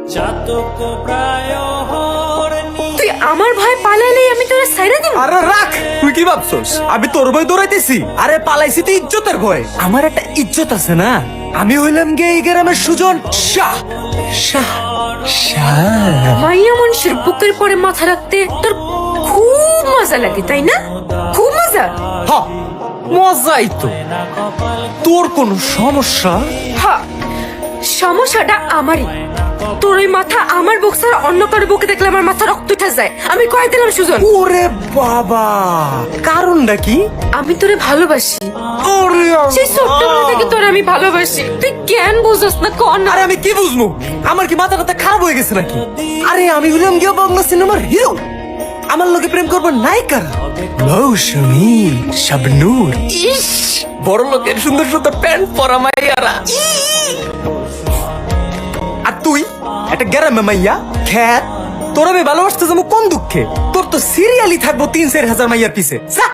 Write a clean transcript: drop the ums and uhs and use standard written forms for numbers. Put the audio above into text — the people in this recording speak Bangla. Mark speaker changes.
Speaker 1: তুই আমার ভয় পালাইলেই আমি তোরা সাইরা দিব?
Speaker 2: আরে রাখ, তুই কি ভাবছস আমি তোর ভয় দৌড়াইতেছি? আরে পালাইছি তো ইজ্জতের ভয়। আমার একটা ইজ্জত আছে না। আমি হইলাম গে এই গ্রামের সুজন শাহ শাহ শাহ।
Speaker 1: মাইয়া মানুষের বুকের পরে মাথা রাখতে তোর খুব মজা লাগে তাই না? খুব মজা।
Speaker 2: হ, মজাই তো। তোর কোনো সমস্যা?
Speaker 1: হ্যাঁ, সমস্যাটা আমারই। তোর ওই মাথা আমার বুক ছাড়া অন্য কারো বুকে দেখলে আমার মাথা রক্ত উঠে যায়। আমি কয়ে দিলাম সুজন,
Speaker 2: ওরে বাবা, কারণটা কি?
Speaker 1: আমি তোরে ভালোবাসি।
Speaker 2: ওরে
Speaker 1: সেই ছোট্টবেলা থেকে তোরে আমি ভালোবাসি। তুই কেন বুঝছ না কর না?
Speaker 2: আরে আমি কি বুঝবো? আমার কি মাথা টাথা খারাপ হয়ে গেছে নাকি? আরে আমি হইলাম গিয়ে বাংলা সিনেমার হিরো। আমার লোকে প্রেম করবো নায়িকা মৌসুমী শাবনূর। ইস, বড় লোকের সুন্দর সুন্দর প্যান্ট পরা মাইয়ারা। আর তুই একটা গ্রামে মাইয়া খ্যাত। তোর আমি ভালোবাসতে যাবো কোন দুঃখে? তোর তো সিরিয়ালি থাকবো 3-4 হাজার মাইয়ার পিছে।